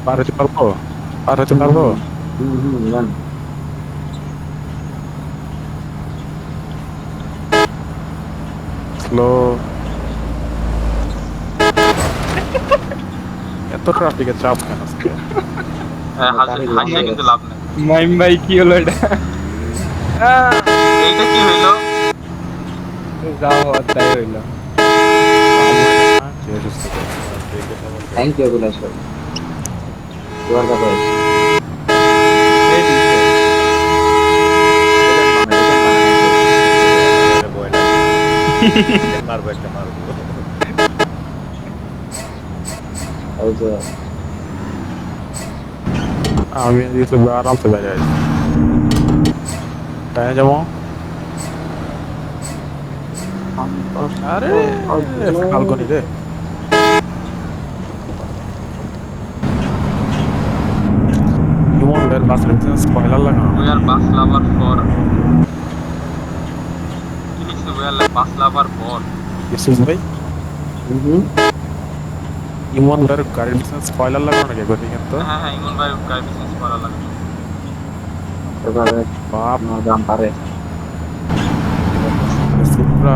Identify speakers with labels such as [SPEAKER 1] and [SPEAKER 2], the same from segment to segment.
[SPEAKER 1] পার হতে পারবো? পার হতে পারবো?
[SPEAKER 2] যান।
[SPEAKER 1] স্লো। এত ট্রাফিকের চাপ কেন আজকে?
[SPEAKER 2] হাসিয়ে
[SPEAKER 3] কিন্তু
[SPEAKER 2] গেছে।
[SPEAKER 3] লাভ নেই।
[SPEAKER 4] মাইম ভাই কি হলো এটা?
[SPEAKER 3] এইটা কি হইলো?
[SPEAKER 4] যা হওয়ার তাই হইলো।
[SPEAKER 2] থ্যাংক ইউ বিলাস ভাই, ইউ আর দ্য বেস্ট।
[SPEAKER 4] এই দিছে।
[SPEAKER 2] রিটার্ন বানা নাই তো।
[SPEAKER 5] মারবো একটা মারবো।
[SPEAKER 2] ওই যে
[SPEAKER 1] আমি দিয়েছি আরামসে বাইরে আছি। তাই যাবো? আরে ফাল্গুনি রে। ইমন বের বাস রেখেছেন স্পয়লার লাগানো।
[SPEAKER 3] We are bus lover for কি লিখছে? We are bus lover for
[SPEAKER 1] ইসুস ভাই ইমন বের গাড়ির পিছনে স্পয়লার লাগানো নাকি একবার দেখেন তো।
[SPEAKER 3] হ্যাঁ হ্যাঁ, ইমন ভাই গাড়ি বিজনেস করা লাগে।
[SPEAKER 2] এবারে
[SPEAKER 1] বাপ
[SPEAKER 2] নো দাম পারে।
[SPEAKER 1] সুপ্রা।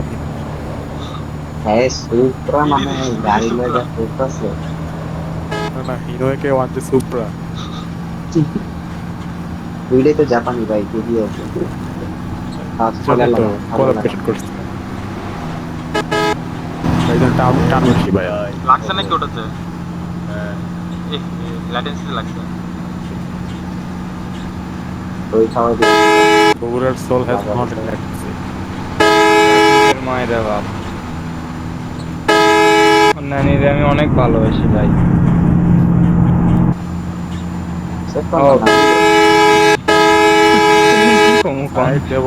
[SPEAKER 2] হ্যাঁ সুপ্রা মানে গাড়ি লয়ে করতেছে।
[SPEAKER 1] না না হিরোকে ওয়ান্টে সুপ্রা।
[SPEAKER 2] দুইটাই তো জাপানি ভাই, খুবই আছে।
[SPEAKER 1] চলে তো কোলাবরেশন করছে। এই যে টান টান বেশি ভাই।
[SPEAKER 3] লাগছে নাকি ওটাতে?
[SPEAKER 5] হ্যাঁ
[SPEAKER 3] ল্যাটেন্সি লাগছে।
[SPEAKER 2] ওই খাওয়া দিয়ে
[SPEAKER 1] বগুড়ার সোল হ্যাজ নট ইলেক্ট্রিসিটি।
[SPEAKER 4] এর মায়েরা বাপ। নানিরে আমি অনেক ভালোবাসি ভাই।
[SPEAKER 2] সেট
[SPEAKER 4] ও।
[SPEAKER 2] করলাম না।
[SPEAKER 4] কি কমু কম?
[SPEAKER 1] রাইট দেব।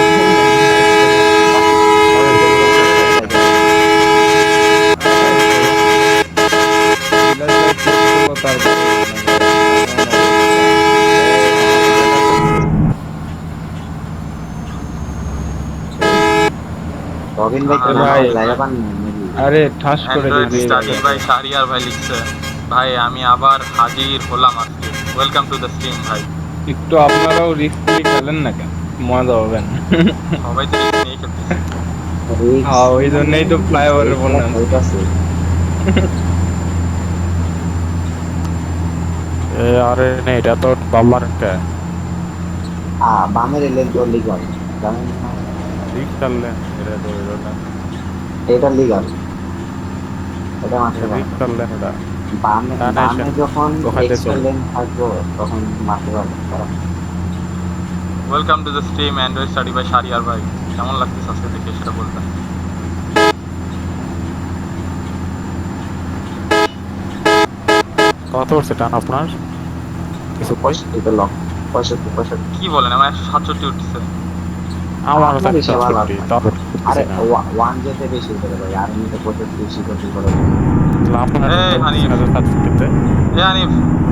[SPEAKER 2] রবিন ভাই কি
[SPEAKER 4] ভাই।
[SPEAKER 2] জায়গা পান নাকি?
[SPEAKER 4] আরে ঠাস করে
[SPEAKER 3] অ্যান্ড্রয়েড
[SPEAKER 4] দিয়ে
[SPEAKER 3] স্টাডি
[SPEAKER 4] দিয়েছে।
[SPEAKER 3] ভাই শাহরিয়ার ভাই লিখছে, ভাই আমি আবার হাজির হলাম আজকে, ওয়েলকাম টু দ্য স্ট্রিম ভাই।
[SPEAKER 4] একটু আপনারাও রিস্ক নিয়ে খেলেন না কেন? মজা হবে না।
[SPEAKER 3] সবাই তো রিস্ক নিয়ে খেলতেছে।
[SPEAKER 2] রিক্স
[SPEAKER 4] হ্যাঁ ওই জন্যই তো ফ্লাইওভারে বললাম।
[SPEAKER 2] হইতাছে।
[SPEAKER 1] আরে নে এটা তো বাম্বার একটা
[SPEAKER 2] বামের এলে তো লিগাল, জানেন না?
[SPEAKER 1] ঠিক চাললেন।
[SPEAKER 5] এটা তো হইলো না।
[SPEAKER 2] এটা লিগাল, এটা মারতে
[SPEAKER 1] ঠিক
[SPEAKER 2] পারবে।
[SPEAKER 1] চাললেন এটা।
[SPEAKER 2] বামে
[SPEAKER 1] ডানে
[SPEAKER 2] বামে
[SPEAKER 1] আসেন।
[SPEAKER 2] যখন
[SPEAKER 1] ওখানে
[SPEAKER 2] এক্সট্রা
[SPEAKER 1] চলুন।
[SPEAKER 2] লেন থাকবো তখন মারতে পারবে তারা।
[SPEAKER 3] Welcome to the stream android study ভাই শাহরিয়ার ভাই, কেমন লাগতেছে আজকে দেখে সেটা বলবেন।
[SPEAKER 1] কত পড়ছে টান আপনার? কিছু কই?
[SPEAKER 2] 65 তো লক, 65।
[SPEAKER 3] কি বলেন, আমার 167 উঠছে।
[SPEAKER 1] আমার
[SPEAKER 2] আপনার বেশি ভালো
[SPEAKER 1] সত্যি
[SPEAKER 2] আছে।
[SPEAKER 1] তাও
[SPEAKER 2] আরে
[SPEAKER 1] না।
[SPEAKER 2] ওয়ান যেতে বেশি করে ভাই, আর এমনিতে 65 বেশি করতে করে।
[SPEAKER 1] আপনার
[SPEAKER 3] এই হানিফ।
[SPEAKER 1] সার্টিফিকেটে
[SPEAKER 3] এ আনিফ,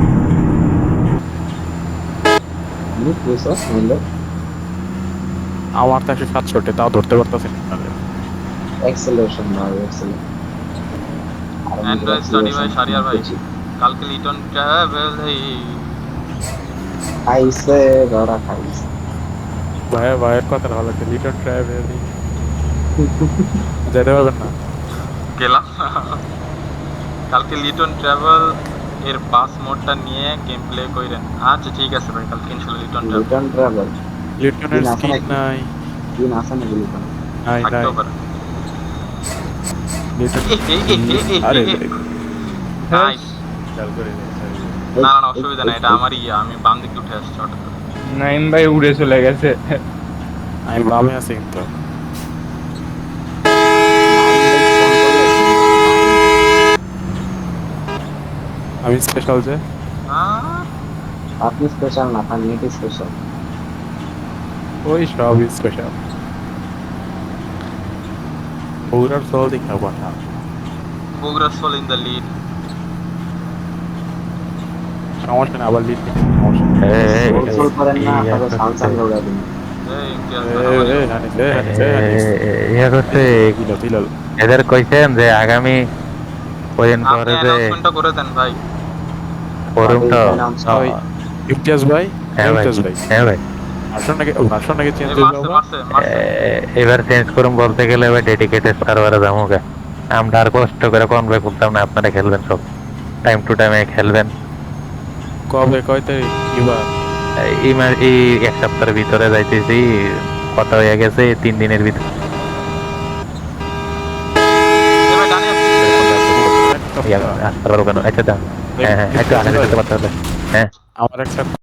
[SPEAKER 2] নিক প্রেসার হইলো
[SPEAKER 1] আমার তো 167 তাও ধরতে পারতেছি না।
[SPEAKER 2] অ্যাক্সেলারেশন ভাই, অ্যাক্সেলারেশন। আর
[SPEAKER 3] অ্যান্ড্রয়েড স্টাডি ভাই শাহরিয়ার ভাই, কালকে লিটন ট্রাভেল
[SPEAKER 2] খাইছে ধরা খাইছে।
[SPEAKER 1] ভাইয়ের কথা ভালো লাগছে। লিটন ট্রাভেল যেতে পারবেন না।
[SPEAKER 3] গেলাম। কালকে লিটন ট্রাভেল এর বাস মোডটা নিয়ে গেম প্লে কইরেন। আচ্ছা ঠিক আছে ভাই, কালকে ইনশাআল্লাহ লিটন ট্রাভেল
[SPEAKER 2] রিটার্ন ট্রাভেল
[SPEAKER 1] লিটনের
[SPEAKER 2] দিন আছে
[SPEAKER 1] স্কিন
[SPEAKER 2] নাকি?
[SPEAKER 1] নাই।
[SPEAKER 2] দিন আছে নাকি রিটার্ন?
[SPEAKER 1] নাই নাই
[SPEAKER 3] থাকতেও পারে।
[SPEAKER 1] লিটন।
[SPEAKER 3] আরে
[SPEAKER 1] আরে
[SPEAKER 3] নাইস।
[SPEAKER 5] খেয়াল করে নে,
[SPEAKER 3] না না অসুবিধা নাই, এটা আমারই আমি বাম দিকে উঠে আসছি হঠাৎ করে।
[SPEAKER 4] নাইম ভাই উড়ে চলে গেছে।
[SPEAKER 1] আমি বামে আছি কিন্তু। আমি স্পেশাল যে
[SPEAKER 3] আহ,
[SPEAKER 2] আপনি স্পেশাল না, তার নেট স্পেশাল।
[SPEAKER 1] ওই সব স্পেশাল। বগুড়ার সোল দেখা কথা।
[SPEAKER 3] Bogura sole in the lead.
[SPEAKER 1] সমস্যা না আবার লিড সমস্যা নেই।
[SPEAKER 2] সোল করেন না, তবে সালসান দৌড়া দিন।
[SPEAKER 3] এই ইমতিয়াজ
[SPEAKER 6] ইয়া করছে
[SPEAKER 1] বিলাল
[SPEAKER 6] এদের কইছেন যে আগামী কদিন
[SPEAKER 3] আপনি
[SPEAKER 6] পরে যে
[SPEAKER 3] অ্যানাউন্সমেন্টটা করে দেন ভাই।
[SPEAKER 6] ফোরুমটা
[SPEAKER 1] ভাই ইমতিয়াজ ভাই
[SPEAKER 6] হ্যাঁ ভাই
[SPEAKER 1] ইমতিয়াজ ভাই
[SPEAKER 6] হ্যাঁ ভাই
[SPEAKER 1] ভাষণ নাকি চেঞ্জ
[SPEAKER 3] এই
[SPEAKER 1] হয়ে
[SPEAKER 3] মারছে
[SPEAKER 1] যাবো
[SPEAKER 3] মারছে মারছে
[SPEAKER 6] এবার চেঞ্জ করুন বলতে গেলে এবার ডেডিকেটেড সার্ভারে যাবো গা। আমরা আর কষ্ট করে কনভে করতাম না, আপনারা খেলবেন সব টাইম টু টাইমে খেলবেন।
[SPEAKER 1] কবে কয় তারিখ কিবার
[SPEAKER 6] এই এক সপ্তাহের ভিতরে যাইতেছি, কথা হয়ে গেছে 3 দিনের ভিতরে।
[SPEAKER 3] এবার ডানে আসছে।
[SPEAKER 6] আসতে পারবো কেন? আচ্ছা দাম, হ্যাঁ হ্যাঁ একটু আগে যেতে পারতে হবে। হ্যাঁ
[SPEAKER 1] আমার একটা